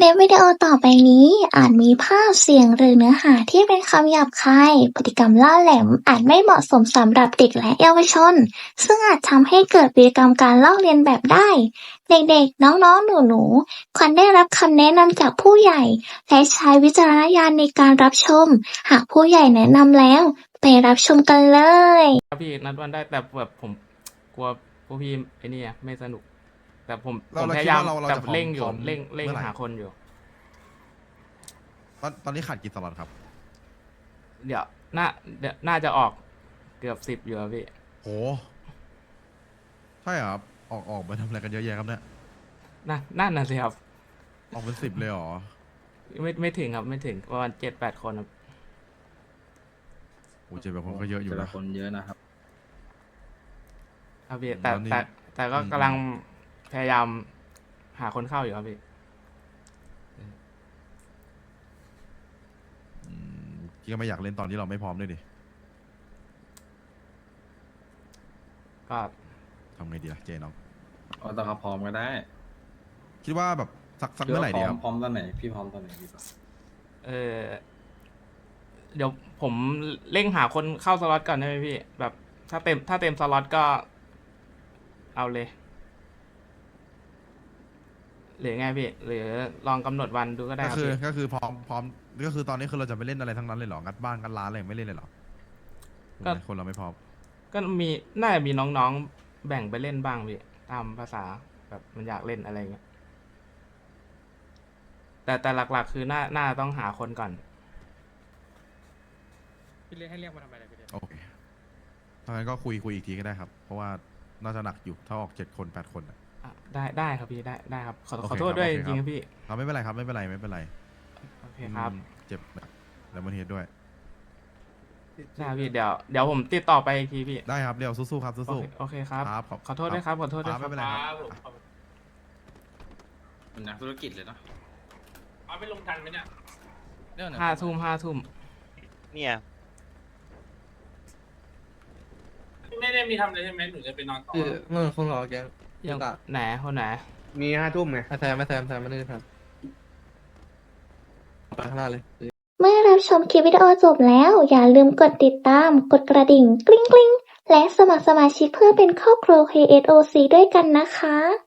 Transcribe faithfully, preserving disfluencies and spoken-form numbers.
ลิปวิดีโอต่อไปนี้อาจมีภาพ เสียง หรือเนื้อหาที่เป็นคำหยาบคาย พฤติกรรมล่าแหลมอาจไม่เหมาะสมสำหรับเด็กและเยาวชน ซึ่งอาจทำให้เกิดพฤติกรรมการลอกเลียนแบบได้ เด็กๆ น้องๆ หนูๆ ควรได้รับคำแนะนำจากผู้ใหญ่ และใช้วิจารณญาณในการรับชม หากผู้ใหญ่แนะนำแล้ว ไปรับชมกันเลยครับพี่นัดวันได้แต่แบบผมกลัวพวกพี่ไอ้นี่อะไม่สนุก แต่ผมผเรามเราพคิดยายามว่าเราเราแต่จะพร้อมเร่งอยู่พร้อมเร่งเร่งเมื่อไหร่หาคนอยู่ตอนตอนนี้ขาดกี่สล็อตครับเดี๋ยวน่าเดี๋ยวน่าจะออกเกือบสิบอยู่ครับพี่โหใช่เหรอครับออกออกไปทำอะไรกันเยอะแยะครับเนี่ยน่าน่าน่ะสิครับออกเป็นสิบเลยเหรอไม่ไม่ถึงครับไม่ถึงประมาณเจ็ดแปดคนครับโอ้เจ็ดแปดคนก็เยอะอยู่แต่นะละคนเยอะนะครับครับพี่แต่แล้วนี่แต่แต่ก็อืมกำลังพยายามหาคนเข้าอยู่ครับพี่อืมพี่ก็ไม่อยากเล่นตอนที่เราไม่พร้อมด้วยดิก็ทำไงดีล่ะเจน้องเอาตอนเขาพร้อมก็ได้คิดว่าแบบสักสักหรืเมื่อไหว่าร่พร้ดีอคมรับพร้อมตอนไหนพี่พร้อมตอนไหนดีกว่าเออเดี๋ยวผมเร่งหาคนเข้าสล็อตก่อนได้ไหมพี่ แบบถ้าเต็มถ้าเต็มสล็อตก็ เอาเลย หรือไงพี่ หรือลองกำหนดวันดูก็ได้ก็ครับคือพี่ก็คือพร้อมพร้อมก็คือตอนนี้คือเราจะไม่เล่นอะไรทั้งนั้นเลยเหรองัดบ้านงัดร้านอะไรไม่เล่นเลยเหรอก็คนเราไม่พร้อมก็มีน่าจะมีน้องๆแบ่งไปเล่นบ้างพี่ตามภาษาแบบมันอยากเล่นอะไรเงี้ยแต่แต่หลักๆ คือน่าน่าต้องหาคนก่อนพี่เรียกให้เรียกมาทำไมล่ะพี่เรียกโอเคถ้างั้นก็คุยคุยอีกทีก็ได้ครับ เพราะว่าน่าจะหนักอยู่ถ้าออกเจ็ดคนแปดคนอะอ่ะได้ได้ครับพี่ได้ได้ครับ ขอโอเคขอโทษด้วยคจรับโอเคริงๆคครับ รับพี่ครับไม่เป็นไรครับไม่เป็นไรไม่เป็นไรโอเคครับอืมเจ็บแล้วมันเฮดด้วยได้ครับพี่เดี๋ยวเดี๋ยวผมติดต่อไปอีกทีพี่ได้ครับเดี๋ยวสู้ๆครับโอสู้เคโอเคครับครับขอบขอโทษด้วยครับขอโทษด้วยครับคไม่รับเป็นไรครับเป็นนักธุรกิจเลยเนาะเอาไปลงทันไหมเนี่ยห้าทุ่มห้าทุ่มเนี่ยไม่ได้มีทำอะไรใช่ไหมหนูจะไปนอนต่อคือเมื่อคงรอแกยังตะไหนคนไหนมีห้าทุ่มไงแซมไม่แซมแซมไม่ได้ครับไปข้างหน้าเลยเมื่อรับชมคลิปวิดีโอจบแล้ว อย่าลืมกดติดตาม กดกระดิ่ง กริ๊งกริ๊งและสมัครสมาชิกเพื่อเป็นครอบครัว เค เอส โอ ซี ด้วยกันนะคะ